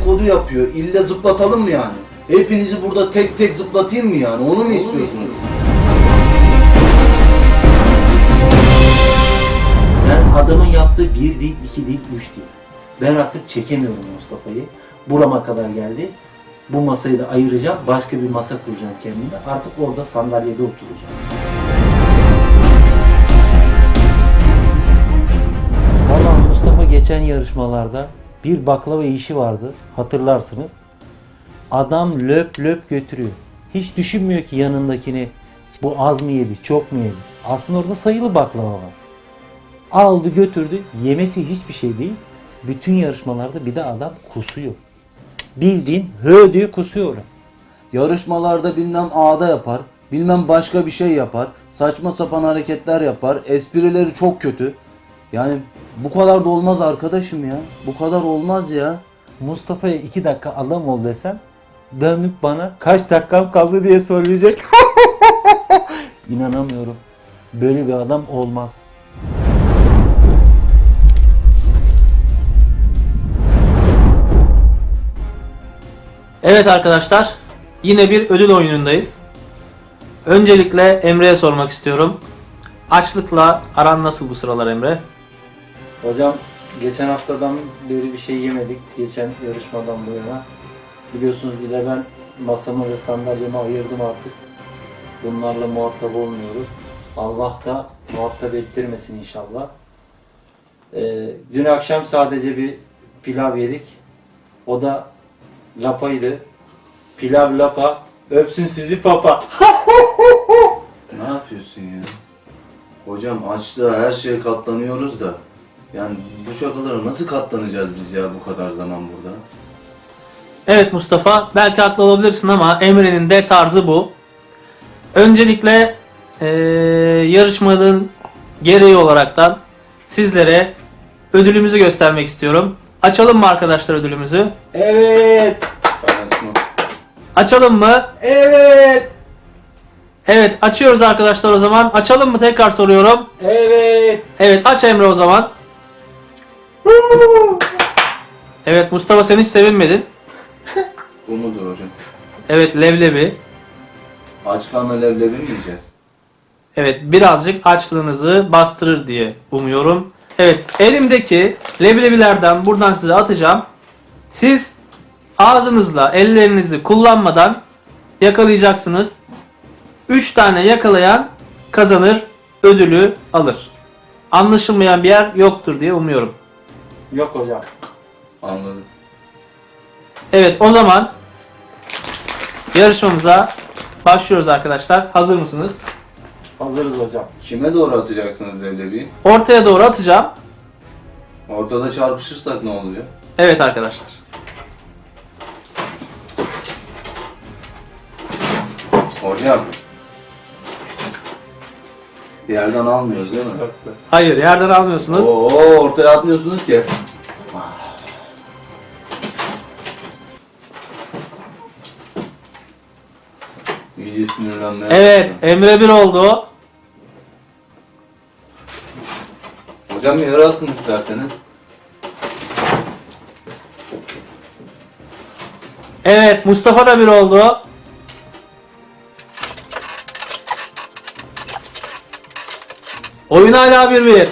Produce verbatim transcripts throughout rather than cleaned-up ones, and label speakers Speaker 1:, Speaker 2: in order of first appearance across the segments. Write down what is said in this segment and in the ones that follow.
Speaker 1: dedikodu yapıyor. İlle zıplatalım mı yani? Hepinizi burada tek tek zıplatayım mı yani? Onu mu istiyorsunuz?
Speaker 2: Ben adamın yaptığı bir değil, iki değil, üç değil. Ben artık çekemiyorum Mustafa'yı. Burama kadar geldi. Bu masayı da ayıracağım. Başka bir masa kuracağım kendime. Artık orada sandalyede oturacağım. Vallahi Mustafa geçen yarışmalarda bir baklava işi vardı. Hatırlarsınız. Adam löp löp götürüyor. Hiç düşünmüyor ki yanındakini bu az mı yedi, çok mu yedi. Aslında orada sayılı baklava var. Aldı götürdü. Yemesi hiçbir şey değil. Bütün yarışmalarda bir de adam kusuyor. Bildiğin hö diye kusuyor.
Speaker 1: Yarışmalarda bilmem ağda yapar, bilmem başka bir şey yapar, saçma sapan hareketler yapar, esprileri çok kötü. Yani bu kadar da olmaz arkadaşım ya. Bu kadar olmaz ya.
Speaker 2: Mustafa'ya iki dakika adam ol desem dönüp bana kaç dakikam kaldı diye söyleyecek. İnanamıyorum. Böyle bir adam olmaz.
Speaker 3: Evet arkadaşlar, yine bir ödül oyunundayız. Öncelikle Emre'ye sormak istiyorum. Açlıkla aran nasıl bu sıralar Emre?
Speaker 2: Hocam geçen haftadan beri bir şey yemedik. Geçen yarışmadan bu yana. Biliyorsunuz bir de ben masamı ve sandalyemi ayırdım artık. Bunlarla muhatap olmuyoruz. Allah da muhatap ettirmesin inşallah. Ee, dün akşam sadece bir pilav yedik. O da lapaydı. Pilav lapa. Öpsün sizi papa.
Speaker 1: Ne yapıyorsun ya? Hocam açlığa her şeye katlanıyoruz da. Yani bu şakalara nasıl katlanacağız biz ya bu kadar zaman burada?
Speaker 3: Evet Mustafa, belki haklı olabilirsin ama Emre'nin de tarzı bu. Öncelikle ee, yarışmanın gereği olaraktan sizlere ödülümüzü göstermek istiyorum. Açalım mı arkadaşlar ödülümüzü?
Speaker 2: Evet.
Speaker 1: Ben açmam.
Speaker 3: Açalım mı?
Speaker 2: Evet.
Speaker 3: Evet, açıyoruz arkadaşlar o zaman. Açalım mı tekrar soruyorum.
Speaker 2: Evet.
Speaker 3: Evet, aç Emre o zaman. Evet Mustafa, sen hiç sevinmedin.
Speaker 1: Bu mudur hocam?
Speaker 3: Evet, leblebi.
Speaker 1: Aç karnına leblebi mi yiyeceğiz?
Speaker 3: Evet, birazcık açlığınızı bastırır diye umuyorum. Evet, elimdeki leblebilerden buradan size atacağım. Siz ağzınızla ellerinizi kullanmadan yakalayacaksınız. üç tane yakalayan kazanır, ödülü alır. Anlaşılmayan bir yer yoktur diye umuyorum.
Speaker 2: Yok hocam.
Speaker 1: Anladım.
Speaker 3: Evet, o zaman yarışmamıza başlıyoruz arkadaşlar. Hazır mısınız?
Speaker 2: Hazırız hocam.
Speaker 1: Kime doğru atacaksınız leblebiyi?
Speaker 3: Ortaya doğru atacağım.
Speaker 1: Ortada çarpışırsak ne oluyor?
Speaker 3: Evet arkadaşlar.
Speaker 1: Hocam. Yerden almıyoruz değil mi?
Speaker 3: Hayır, yerden almıyorsunuz.
Speaker 1: Oo, ortaya atmıyorsunuz ki. İyice sinirlenmeye
Speaker 3: Evet,
Speaker 1: başladım.
Speaker 3: Emre bir oldu.
Speaker 1: Hocam bir yere atın isterseniz.
Speaker 3: Evet, Mustafa da bir oldu. Oyun hala bir bir.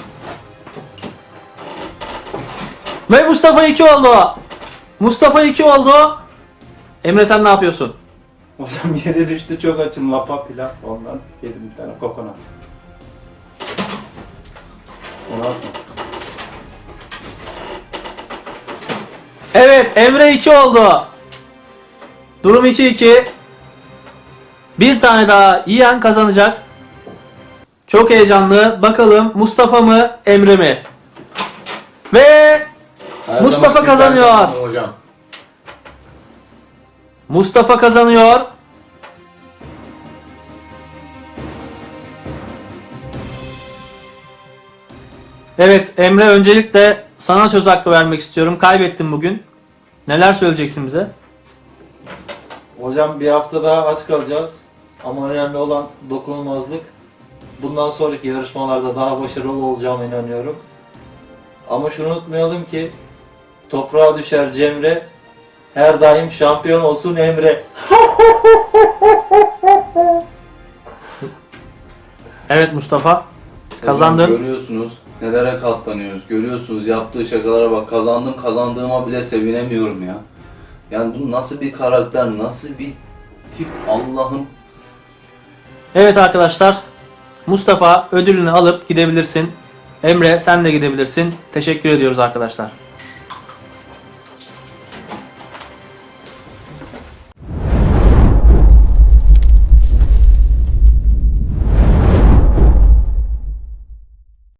Speaker 3: Ve Mustafa iki oldu. Mustafa iki oldu. Emre sen ne yapıyorsun?
Speaker 2: Hocam yere düştü, çok açım, lapa pilav, ondan yedim bir tane kokonat.
Speaker 1: Onu atma.
Speaker 3: Evet, Emre iki oldu. Durum iki iki. Bir tane daha yiyen kazanacak. Çok heyecanlı. Bakalım Mustafa mı, Emre mi? Ve
Speaker 1: Her
Speaker 3: Mustafa
Speaker 1: zamanki
Speaker 3: kazanıyor.
Speaker 1: ben kazandım hocam.
Speaker 3: Mustafa kazanıyor. Evet Emre, öncelikle sana söz hakkı vermek istiyorum. Kaybettin bugün. Neler söyleyeceksin bize?
Speaker 2: Hocam bir hafta daha aç kalacağız. Ama önemli olan dokunulmazlık. Bundan sonraki yarışmalarda daha başarılı olacağıma inanıyorum. Ama şunu unutmayalım ki toprağa düşer Cemre, her daim şampiyon olsun Emre.
Speaker 3: Evet Mustafa.
Speaker 1: Hocam
Speaker 3: Kazandın.
Speaker 1: görüyorsunuz nelere katlanıyoruz. Görüyorsunuz yaptığı şakalara bak. Kazandım kazandığıma bile sevinemiyorum ya. Yani bu nasıl bir karakter, nasıl bir tip Allah'ım.
Speaker 3: Evet arkadaşlar. Mustafa ödülünü alıp gidebilirsin. Emre sen de gidebilirsin. Teşekkür ediyoruz arkadaşlar.